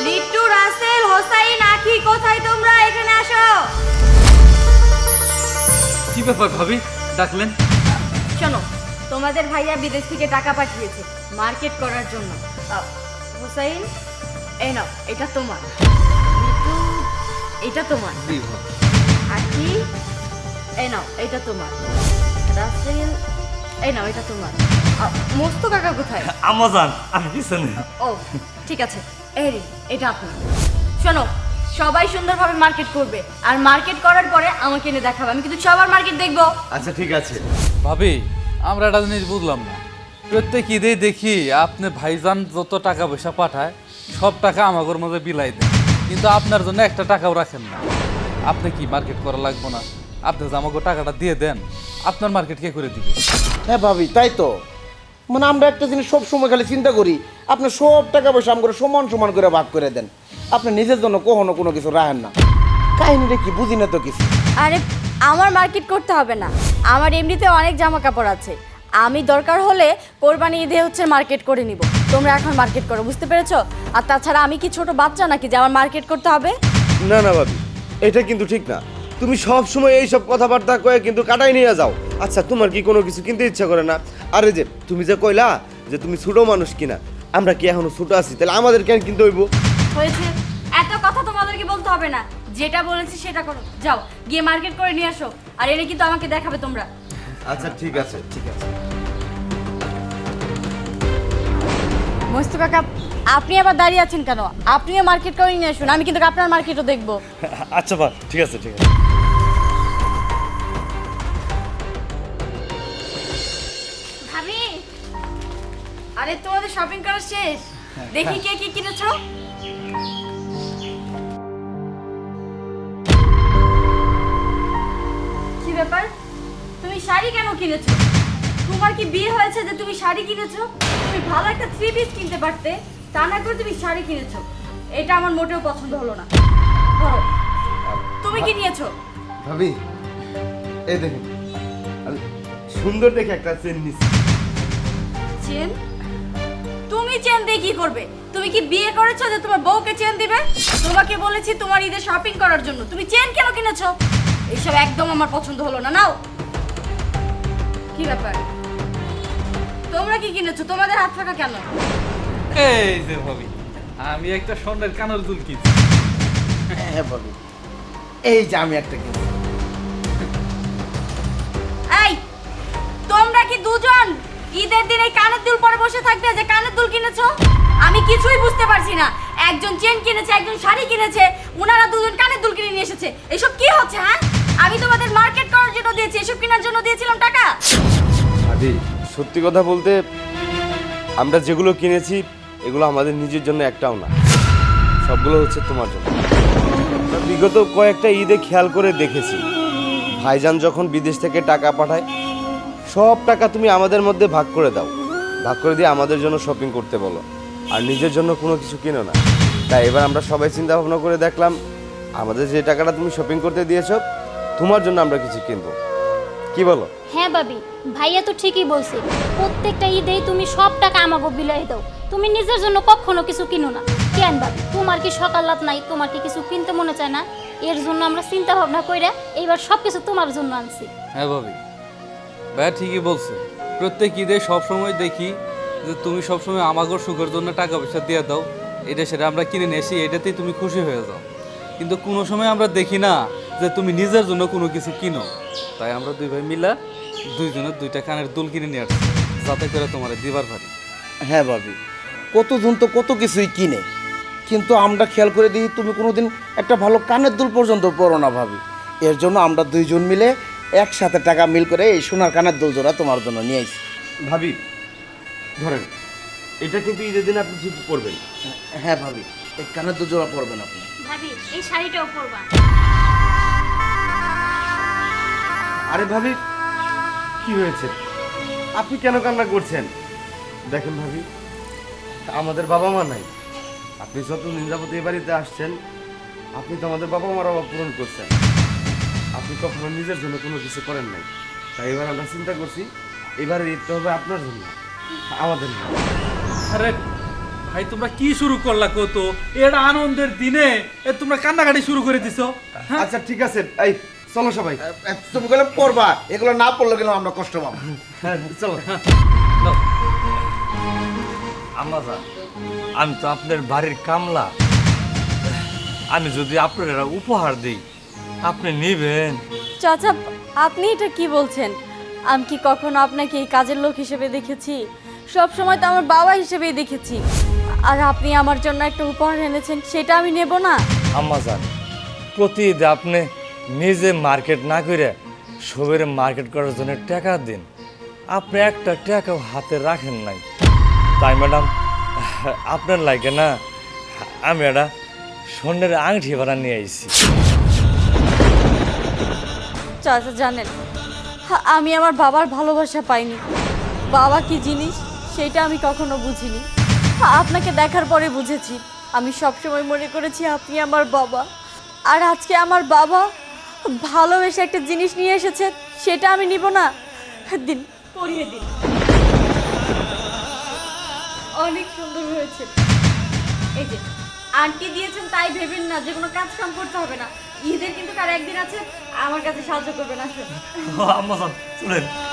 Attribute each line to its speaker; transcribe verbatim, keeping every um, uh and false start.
Speaker 1: লিট্টু, রাসেল, হোসাইন, আখি, কোথায় তোমরা? এখানে আসো।
Speaker 2: কি ব্যাপার ভাবি, ডাকলেন?
Speaker 1: শোনো, তোমাদের ভাইয়া বিদেশ থেকে টাকা পাঠিয়েছে মার্কেট করার জন্য। আহ, হোসাইন, এই নাও, এটা তোমার। লিট্টু, এটা তোমার।
Speaker 2: জি ভাবি।
Speaker 1: আখি, এই নাও, এটা তোমার। রাসেল, এই নাও, এটা তোমার। আহ, মস্ত কাকা কোথায়?
Speaker 2: আমাজন, আমি পিছনে।
Speaker 1: ও ঠিক আছে, এই এটা আপনার। শোনো, সবাই সুন্দরভাবে মার্কেট করবে, আর মার্কেট করার পরে আমাকে এনে দেখাবে। আমি কিন্তু সবার মার্কেট দেখবো।
Speaker 3: আচ্ছা ঠিক আছে।
Speaker 2: ভাবি, আমরা একটা জিনিস বুঝলাম না, প্রত্যেক ঈদেই দেখি আপনি ভাইজান যত টাকা পয়সা পাঠায় সব টাকা আমাদের মধ্যে বিলাই দেন, কিন্তু আপনার জন্য একটা টাকাও রাখেন না। আপনি কি মার্কেট করা লাগবে না? আপনি যে আমাকে টাকাটা দিয়ে দেন, আপনার মার্কেট কে করে দিবে?
Speaker 3: হ্যাঁ ভাবি, তাই তো। মানে আমরা একটা জিনিস সব সময় খালি চিন্তা করি, আপনি সব টাকা পয়সা আমরা সমান সমান করে ভাগ করে দেন, আপনি নিজের জন্য কখনো কোনো কিছু রাখেন না। কাহিনীটা কি বুঝি না তো কিছু।
Speaker 1: আরে আমার মার্কেট করতে হবে না, আমার এমনিতে অনেক জামা কাপড় আছে। আমি দরকার হলে কোরবানি ঈদে হচ্ছে মার্কেট করে নিব। তোমরা এখন মার্কেট করো, বুঝতে পেরেছো? আর তাছাড়া আমি কি ছোট বাচ্চা নাকি যে আমার মার্কেট করতে হবে?
Speaker 4: না না ভাবি, এটা কিন্তু ঠিক না। তুমি সব সময় এই সব কথাবার্তা কয়ে কিন্তু কাটাই নিয়ে যাও। আচ্ছা, তোমার কি কোনো কিছু কিনতে ইচ্ছা করে না? আরে যে তুমি যে কইলা যে তুমি ছোট মানুষ কিনা, আমরা কি এখনো ছোট আছি? তাহলে আমাদের কেন কিনতে হইব?
Speaker 1: হয়েছে, এত কথা তোমাদেরকে বলতে হবে না। যেটা বলেছি সেটা করো, যাও গিয়ে মার্কেট করে নিয়ে আসো। আর এনে কিন্তু আমাকে দেখাবে তোমরা।
Speaker 4: আচ্ছা ঠিক আছে, ঠিক আছে।
Speaker 1: মস্তু কাকা, আপনি আবার দাঁড়িয়ে আছেন কেন? আপনিও মার্কেট করে নিয়ে আসুন, আমি কিন্তু আপনার মার্কেটও দেখবো।
Speaker 4: আচ্ছা বা ঠিক আছে, ঠিক আছে।
Speaker 1: ভাবি, আরে তোমাদের শপিং করা শেষ? দেখি কে কি কিনেছো। কি ব্যাপার, তুমি শাড়ি কেন কিনেছো? তোমার কি বিয়ে হয়েছে যে তুমি শাড়ি কিনেছো? তুমি ভালো একটা থ্রি পিস কিনতে পারতে, তা না করে তুমি শাড়ি কিনেছো। এটা আমার মোটেও পছন্দ হলো না। ধরো, তুমি কি নিয়েছো?
Speaker 4: ভাবি, এই দেখুন, আমি সুন্দর দেখে একটা চেন নিছি।
Speaker 1: চেন? তুমি চেন দিয়ে কি করবে? তুমি কি বিয়ে করেছো যে তোমার বউকে চেন দিবে? তোমাকে বলেছি তোমার ঈদে শপিং করার জন্য, তুমি চেন কেন কিনেছো? এইসব একদম আমার পছন্দ হলো না। নাও। কি ব্যাপার, তোমরা কি কিনেছো? তোমাদের হাত ফাঁকা কেন?
Speaker 2: এই যে ভাবি, আমি একটা স্বর্ণের কানের দুল কিনছি।
Speaker 3: হ্যাঁ ভাবি, এই যে আমি একটা কিনছি।
Speaker 1: এই, তোমরা কি দুজন ঈদের দিন এই কানের দুল পরে বসে থাকবে যে কানের দুল কিনেছো? আমি কিছুই বুঝতে পারছি না। একজন চেন কিনেছে, একজন শাড়ি কিনেছে, উনারা দুজন কানের দুল কিনে নিয়ে এসেছে। এসব কি হচ্ছে? হ্যাঁ, আমি তোমাদের মার্কেট করার জন্য দিয়েছি, এসব কেনার জন্য দিয়েছিলাম টাকা?
Speaker 4: ভাবি, সত্যি কথা বলতে আমরা যেগুলো কিনেছি এগুলো আমাদের নিজের জন্য একটাও না, সবগুলো হচ্ছে তোমার জন্য। আমরা বিগত কয়েকটা ঈদে খেয়াল করে দেখেছি, ভাইজান যখন বিদেশ থেকে টাকা পাঠায় সব টাকা তুমি আমাদের মধ্যে ভাগ করে দাও, ভাগ করে দিয়ে আমাদের জন্য শপিং করতে বলো, আর নিজের জন্য কোনো কিছু কিনো না। তাই এবার আমরা সবাই চিন্তা ভাবনা করে দেখলাম, আমাদের যে টাকাটা তুমি শপিং করতে দিয়েছো তোমার জন্য আমরা কিছু কিনবো। কি বলো?
Speaker 5: হ্যাঁ ভাবি, ভাইয়া তো ঠিকই বলছে। প্রত্যেকটা ঈদেই তুমি সব টাকা আমাকে বিলাই দাও, তুমি নিজের জন্য কখনো কিছু কিনো না। কেন ভাবি, তোমার কি সকাল রাত নাই? তোমার কি কিছু কিনতে মনে চায় না? এর জন্য আমরা চিন্তা ভাবনা কইরা এইবার সব কিছু তোমার জন্য আনছি।
Speaker 2: হ্যাঁ ভাবি, ভাইয়া ঠিকই বলছে। প্রত্যেক ঈদে সবসময় দেখি যে তুমি সবসময় আমাগর সুখের জন্য টাকা পয়সা দিয়ে দাও, এটা সেটা আমরা কিনে নিয়ে আসি, এটাতেই তুমি খুশি হয়ে যাও। কিন্তু কোনো সময় আমরা দেখি না যে তুমি নিজের জন্য কোনো কিছু কিনো। তাই আমরা দুই ভাই মিলা দুইজনের দুইটা কানের দুল কিনে নিয়ে আসছি, যাতে করে তোমার দিবার পারি।
Speaker 3: হ্যাঁ ভাবি, কতজন তো কত কিছুই কিনে, কিন্তু আমরা খেয়াল করে দিই তুমি কোনোদিন একটা ভালো কানের দুল পর্যন্ত পরো না ভাবি। এর জন্য আমরা দুইজন মিলে একসাথে টাকা মিল করে এই সোনার কানের দুল জোড়া তোমার জন্য নিয়ে আসি।
Speaker 4: ভাবি ধরেন, এটা কিন্তু ঈদের দিন আপনি ঠিক করবেন।
Speaker 3: হ্যাঁ ভাবি, এই কানের দুল জোড়া পরবেন আপনি।
Speaker 5: ভাবি, এই শাড়িটাও পরবা।
Speaker 4: আরে ভাবি, কি হয়েছে? আপনি কেন কান্না করছেন? দেখেন ভাবি, আমাদের বাবা মা নাই। আপনি যত নিন্দাপতি এ বাড়িতে আসছেন, আপনি তো আমাদের বাবা মার অভাব পূরণ করছেন। আপনি কখনো নিজের জন্য কোনো কিছু করেন নাই। তাই এবার আমরা চিন্তা করছি, এবারে ঈদটা হবে আপনার জন্য, আমাদের না।
Speaker 2: আরে ভাই তোমরা কি শুরু করলা কত এটা আনন্দের দিনে এ তোমরা কান্নাকাটি শুরু করে দিছো।
Speaker 4: আচ্ছা ঠিক আছে, এই চলো সবাই।
Speaker 3: এ, তুমি গেলে পড়বা, এগুলো না পড়লে গেলে আমরা কষ্ট পাবো।
Speaker 4: চলো।
Speaker 2: নাও।
Speaker 6: আম্মাজান, আমি তো আপনার বাড়ির কামলা। আমি যদি আপনার একটা উপহার দিই আপনি নিবেন?
Speaker 1: চাচা আপনি এটা কি বলছেন? আমি কি কখনো আপনাকে এই কাজের লোক হিসেবে দেখেছি? সব সময় তো আমার বাবা হিসেবেই দেখেছি। আর আপনি আমার জন্য একটা উপহার এনেছেন, সেটা আমি নেব না?
Speaker 6: আম্মাজান, প্রতি ঈদে আপনি নিজে মার্কেট না করে সবের মার্কেট করার জন্য টাকা দিন, আপনি একটা টাকাও হাতে রাখেন নাই। তাই ম্যাডাম আপনার লাগে না আমি একটা স্বর্ণের আংটি ভাড়া নিয়ে আইছি।
Speaker 1: চাচা জানেন, আমি আমার বাবার ভালোবাসা পাইনি। বাবা কি জিনিস সেটা আমি কখনো বুঝিনি। আপনাকে দেখার পরে বুঝেছি। আমি সবসময় মনে করেছি আপনি আমার বাবা, আর আজকে আমার বাবা ভালোবেসে একটা জিনিস নিয়ে এসেছে, সেটা আমি নিব না। দিন, পরিয়ে দিন। অনেক সুন্দর হয়েছে। এই যে আন্টি দিয়েছেন তাই ভেবেন না যে কোনো কাজ কাম করতে হবে না। ঈদের কিন্তু তার একদিন আছে, আমার কাছে সাহায্য করবেন। আসুন।
Speaker 6: আম্মাজান চলেন।